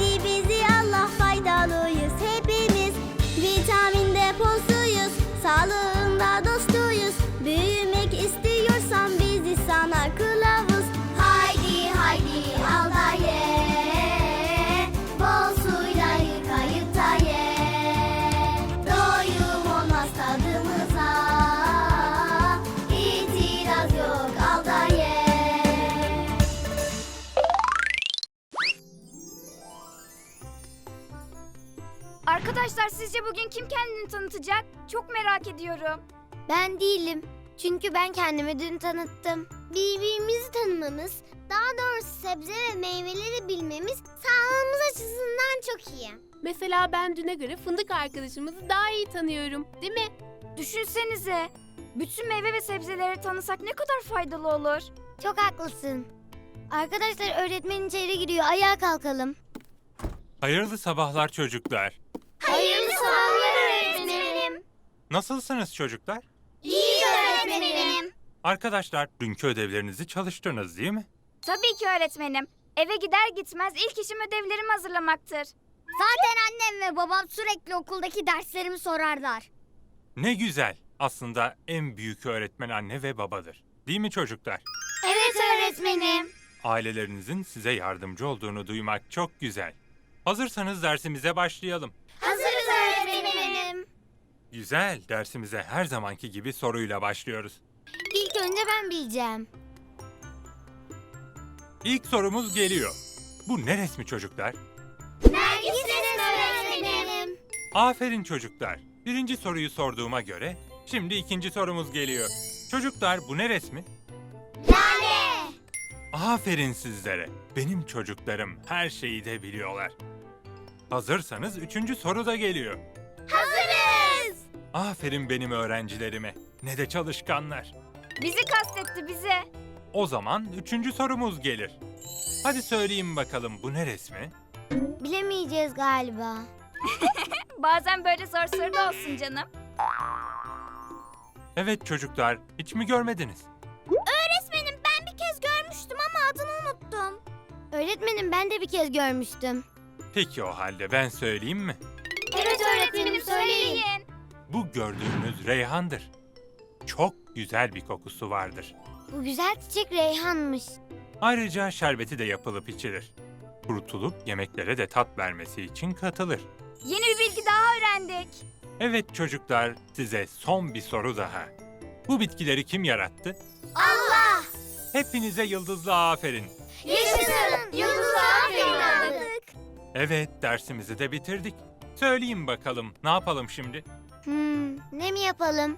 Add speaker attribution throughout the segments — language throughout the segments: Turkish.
Speaker 1: Sevdi bizi Allah, faydalıyız hepimiz. Vitamin deposuyuz, sağlığında dostuyuz. Büyümek istiyorsan bizi sana kılavuz. Haydi haydi al da ye, bol suyla yıkayıp da ye. Doyum olmaz tadımıza, itiraz yok, al da ye.
Speaker 2: Arkadaşlar sizce bugün kim kendini tanıtacak? Çok merak ediyorum.
Speaker 1: Ben değilim. Çünkü ben kendimi dün tanıttım. Birbirimizi tanımamız, daha doğrusu sebze ve meyveleri bilmemiz sağlığımız açısından çok iyi.
Speaker 3: Mesela ben düne göre fındık arkadaşımızı daha iyi tanıyorum, değil mi?
Speaker 2: Düşünsenize. Bütün meyve ve sebzeleri tanısak ne kadar faydalı olur.
Speaker 1: Çok haklısın. Arkadaşlar, öğretmen içeri giriyor. Ayağa kalkalım.
Speaker 4: Hayırlı sabahlar çocuklar.
Speaker 1: Hayırlı sabahlar öğretmenim.
Speaker 4: Nasılsınız çocuklar?
Speaker 1: İyi öğretmenim.
Speaker 4: Arkadaşlar, dünkü ödevlerinizi çalıştınız değil mi?
Speaker 2: Tabii ki öğretmenim. Eve gider gitmez ilk işim ödevlerimi hazırlamaktır.
Speaker 1: Zaten annem ve babam sürekli okuldaki derslerimi sorarlar.
Speaker 4: Ne güzel. Aslında en büyük öğretmen anne ve babadır. Değil mi çocuklar?
Speaker 1: Evet öğretmenim.
Speaker 4: Ailelerinizin size yardımcı olduğunu duymak çok güzel. Hazırsanız dersimize başlayalım.
Speaker 1: Hazırız öğretmenim.
Speaker 4: Güzel, dersimize her zamanki gibi soruyla başlıyoruz.
Speaker 1: İlk önce ben bileceğim.
Speaker 4: İlk sorumuz geliyor. Bu ne resmi çocuklar?
Speaker 1: Nergis öğretmenim.
Speaker 4: Aferin çocuklar. Birinci soruyu sorduğuma göre şimdi ikinci sorumuz geliyor. Çocuklar, bu ne resmi?
Speaker 1: Lale.
Speaker 4: Aferin sizlere. Benim çocuklarım her şeyi de biliyorlar. Hazırsanız üçüncü soru da geliyor.
Speaker 1: Hazırız.
Speaker 4: Aferin benim öğrencilerime. Ne de çalışkanlar.
Speaker 2: Bizi kastetti bize.
Speaker 4: O zaman üçüncü sorumuz gelir. Hadi söyleyin bakalım, bu ne resmi?
Speaker 1: Bilemeyeceğiz galiba.
Speaker 2: Bazen böyle zor soru da olsun canım.
Speaker 4: Evet çocuklar, hiç mi görmediniz?
Speaker 1: Öğretmenim, ben bir kez görmüştüm ama adını unuttum. Öğretmenim, ben de bir kez görmüştüm.
Speaker 4: Peki o halde ben söyleyeyim mi?
Speaker 1: Evet öğretmenim, söyleyin.
Speaker 4: Bu gördüğünüz reyhandır. Çok güzel bir kokusu vardır.
Speaker 1: Bu güzel çiçek reyhanmış.
Speaker 4: Ayrıca şerbeti de yapılıp içilir. Kurutulup yemeklere de tat vermesi için katılır.
Speaker 2: Yeni bir bilgi daha öğrendik.
Speaker 4: Evet çocuklar, size son bir soru daha. Bu bitkileri kim yarattı?
Speaker 1: Allah!
Speaker 4: Hepinize yıldızlı aferin.
Speaker 1: Yaşasın! Yıldızlı aferin aldık.
Speaker 4: Evet, dersimizi de bitirdik. Söyleyin bakalım, ne yapalım şimdi?
Speaker 1: Ne mi yapalım?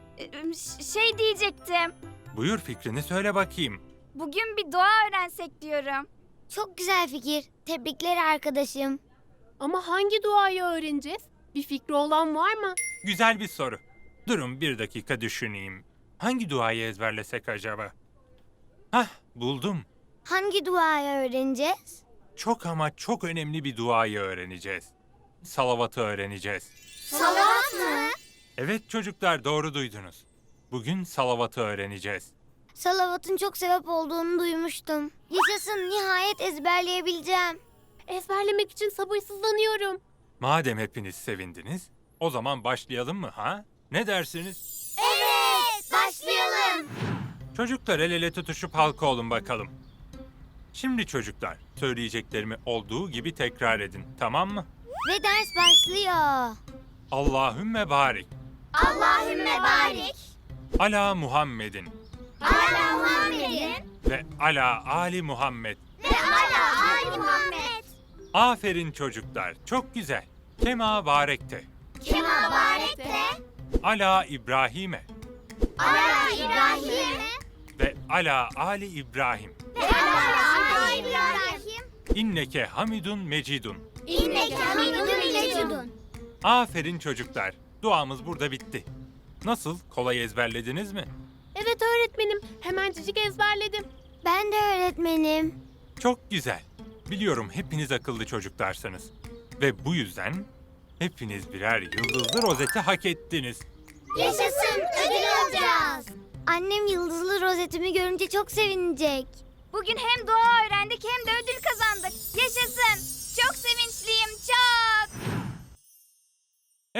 Speaker 2: Şey diyecektim.
Speaker 4: Buyur, fikrini söyle bakayım.
Speaker 2: Bugün bir dua öğrensek diyorum.
Speaker 1: Çok güzel fikir. Tebrikler arkadaşım.
Speaker 3: Ama hangi duayı öğreneceğiz? Bir fikri olan var mı?
Speaker 4: Güzel bir soru. Durun bir dakika düşüneyim. Hangi duayı ezberlesek acaba? Hah, buldum.
Speaker 1: Hangi duayı öğreneceğiz?
Speaker 4: Çok ama çok önemli bir duayı öğreneceğiz. Salavatı öğreneceğiz.
Speaker 1: Salavat mı?
Speaker 4: Evet çocuklar, doğru duydunuz. Bugün salavatı öğreneceğiz.
Speaker 1: Salavatın çok sevap olduğunu duymuştum. Yaşasın, nihayet ezberleyebileceğim.
Speaker 3: Ezberlemek için sabırsızlanıyorum.
Speaker 4: Madem hepiniz sevindiniz, o zaman başlayalım mı ha? Ne dersiniz?
Speaker 1: Evet, başlayalım.
Speaker 4: Çocuklar, el ele tutuşup halka olun bakalım. Şimdi çocuklar, söyleyeceklerimi olduğu gibi tekrar edin, tamam mı?
Speaker 1: Ve ders başlıyor.
Speaker 4: Allahümme barik.
Speaker 1: Allahümme barik.
Speaker 4: Ala Muhammedin.
Speaker 1: Ala Muhammedin.
Speaker 4: Ve ala Ali Muhammed.
Speaker 1: Ve ala Ali Muhammed.
Speaker 4: Aferin çocuklar, çok güzel. Kema barekte.
Speaker 1: Kema barekte.
Speaker 4: Ala İbrahim'e.
Speaker 1: Ala İbrahim.
Speaker 4: Ve ala Ali İbrahim.
Speaker 1: Ve ala Ali İbrahim.
Speaker 4: İnneke hamidun mecidun.
Speaker 1: İnneke hamidun mecidun.
Speaker 4: Aferin çocuklar, duamız burada bitti. Nasıl, kolay ezberlediniz mi?
Speaker 3: Evet öğretmenim, hemencik ezberledim.
Speaker 1: Ben de öğretmenim.
Speaker 4: Çok güzel. Biliyorum hepiniz akıllı çocuklarsınız. Ve bu yüzden hepiniz birer yıldızlı rozeti hak ettiniz.
Speaker 1: Yaşasın, ödül alacağız. Annem yıldızlı rozetimi görünce çok sevinecek.
Speaker 2: Bugün hem dua öğrendik hem de ödül kazandık. Yaşasın. Çok sevinçliyim.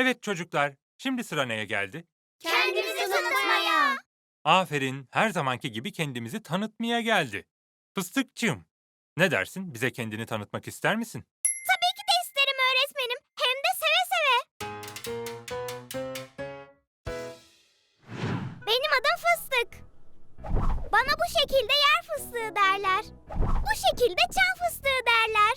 Speaker 4: Evet çocuklar, şimdi sıra neye geldi?
Speaker 1: Kendimizi tanıtmaya.
Speaker 4: Aferin, her zamanki gibi kendimizi tanıtmaya geldi. Fıstıkçığım, ne dersin? Bize kendini tanıtmak ister misin?
Speaker 1: Tabii ki de isterim öğretmenim. Hem de seve seve. Benim adım Fıstık. Bana bu şekilde yer fıstığı derler. Bu şekilde çam fıstığı derler.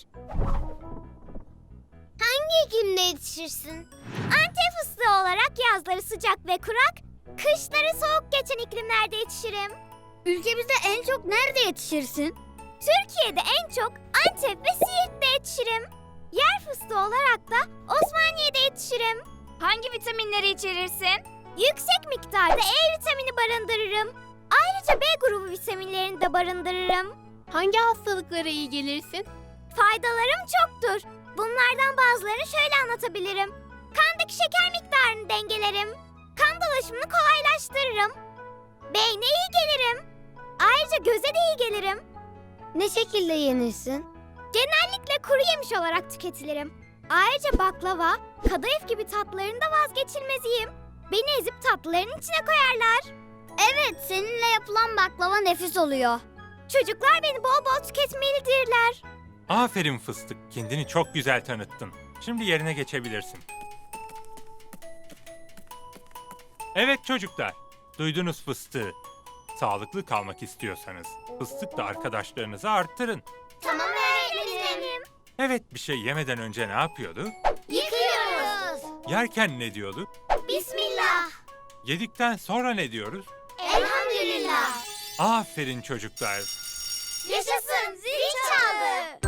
Speaker 1: Hangi iklimde yetişirsin? Antep fıstığı olarak yazları sıcak ve kurak, kışları soğuk geçen iklimlerde yetişirim. Ülkemizde en çok nerede yetişirsin? Türkiye'de en çok Antep ve Siirt'te yetişirim. Yer fıstığı olarak da Osmaniye'de yetişirim.
Speaker 2: Hangi vitaminleri içerirsin?
Speaker 1: Yüksek miktarda E vitamini barındırırım. Ayrıca B grubu vitaminlerini de barındırırım.
Speaker 3: Hangi hastalıklara iyi gelirsin?
Speaker 1: Faydalarım çoktur. Bunlardan bazılarını şöyle anlatabilirim. Kandaki şeker miktarını dengelerim. Kan dolaşımını kolaylaştırırım. Beyne iyi gelirim. Ayrıca göze de iyi gelirim. Ne şekilde yenirsin? Genellikle kuru yemiş olarak tüketilirim. Ayrıca baklava, kadayıf gibi tatlıların da vazgeçilmeziyim. Beni ezip tatlıların içine koyarlar. Evet, seninle yapılan baklava nefis oluyor. Çocuklar beni bol bol tüketmelidirler.
Speaker 4: Aferin Fıstık, kendini çok güzel tanıttın. Şimdi yerine geçebilirsin. Evet çocuklar, duydunuz Fıstığı. Sağlıklı kalmak istiyorsanız fıstıkla arkadaşlarınızı arttırın.
Speaker 1: Tamam öğretmenim.
Speaker 4: Evet, bir şey yemeden önce ne yapıyordu?
Speaker 1: Yıkıyoruz.
Speaker 4: Yerken ne diyordu?
Speaker 1: Bismillah.
Speaker 4: Yedikten sonra ne diyoruz?
Speaker 1: Elhamdülillah.
Speaker 4: Aferin çocuklar.
Speaker 1: Yaşasın, zil çaldı.